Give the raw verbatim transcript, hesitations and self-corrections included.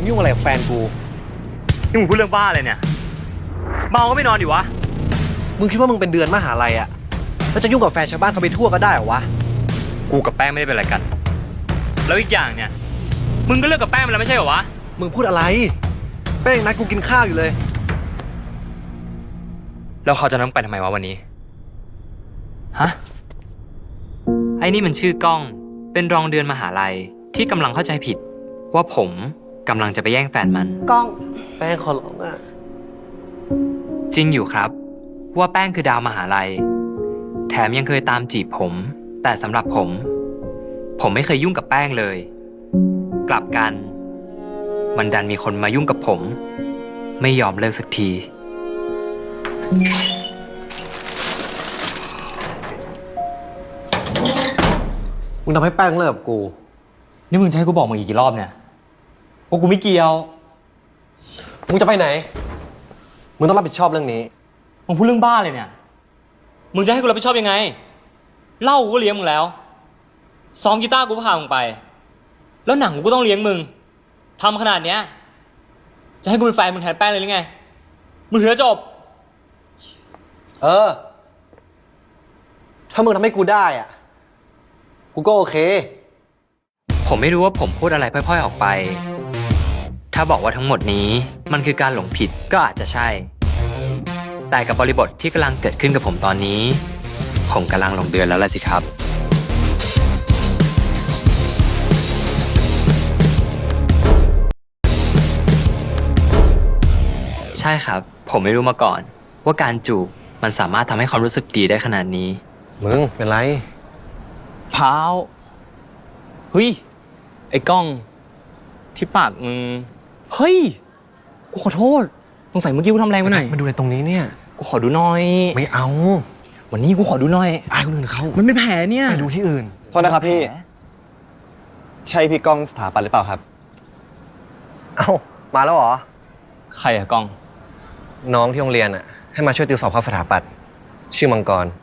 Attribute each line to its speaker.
Speaker 1: งยุ่งอะไรกับแฟนกู
Speaker 2: นี่มึงพูดเรื่องบ้าอะไรเนี่ยเมาก็ไม่นอนดิวะ
Speaker 1: มึงคิดว่ามึงเป็นเดือนมหาลัยอะแล้วจะยุ่งกับแฟนชาวบ้านเขาไปทั่วก็ได้เหรอวะ
Speaker 2: กูกับแป้งไม่ได้เป็นอะไรกันแล้วอีกอย่างเนี่ยมึงก็เลิกกับแป้งไปแล้วไม่ใช่เหรอวะ
Speaker 1: มึงพูดอะไรแป้งนัดกูกินข้าวอยู่เลย
Speaker 2: แล้วเขาจะนั่งไปทำไมวะวันนี้ฮะไอ้นี่มันชื่อกล้องเป็นรองเดือนมหาลัยที่กำลังเข้าใจผิดว่าผมกำลังจะไปแย่งแฟนมัน
Speaker 3: กล้อง
Speaker 1: แป้งขอร้องอะ
Speaker 2: จริงอยู่ครับว่าแป้งคือดาวมหาลัยแถมยังเคยตามจีบผมแต่สำหรับผม ผมไม่เคยยุ่งกับแป้งเลยกลับกันมันดันมีคนมายุ่งกับผมไม่ยอมเลิกสักที
Speaker 1: มึงทำให้แป้งเลิกกับกู
Speaker 2: นี่มึงจะให้กูบอกมึงอีกกี่รอบเนี่ยว่ากูไม่เกี่ยว
Speaker 1: มึงจะไปไหนมึงต้องรับผิดชอบเรื่องนี้
Speaker 2: มึงพูดเรื่องบ้าเลยเนี่ยมึงจะให้กูรับผิดชอบยังไงเหล้ากูก็เลี้ยงมึงแล้วซ้อมกีตาร์กูก็พามึงไปแล้วหนังกูก็ต้องเลี้ยงมึงทำขนาดเนี้ยจะให้กูเป็นแฟนมึงแทนแป้งเลยหรือไงมึงเหือจบ
Speaker 1: เออถ้ามึงทำให้กูได้อ่ะกูก็โอเค
Speaker 2: ผมไม่รู้ว่าผมพูดอะไรพร่อยๆออกไปถ้าบอกว่าทั้งหมดนี้มันคือการหลงผิดก็อาจจะใช่แต่กับบริบทที่กำลังเกิดขึ้นกับผมตอนนี้ผมกำลังหลงเดือนแล้วล่ะสิครับใช่ครับผมไม่รู้มาก่อนว่าการจูบมันสามารถทำให้ความรู้สึกดีได้ขนาดนี้
Speaker 1: มึงเป็นไร
Speaker 2: พาวเฮ้ยไอ้กล้องที่ปากมึงเฮ้ยกูขอโทษสงสัยเมื่อกี้กูทำแรงไปหน่อย
Speaker 1: มาดูในตรงนี้เนี่ย
Speaker 2: กูขอดูหน่อย
Speaker 1: ไม่เอา
Speaker 2: วันนี้กูขอดูหน่อย
Speaker 1: อายคนอื่นเขา
Speaker 2: มันเป็นแผลเนี่ย
Speaker 1: ไปดูที่อื่น
Speaker 4: โทษนะครับพี่ใช่พี่ก้องสถาปัตย์หรือเปล่าครับ
Speaker 1: เอ้ามาแล้วเหรอ
Speaker 2: ใครอะกล้อง
Speaker 1: น้องที่โรงเรียนอะให้มาช่วยติวสอบเข้าสถาปัตย์ชื่อมังกร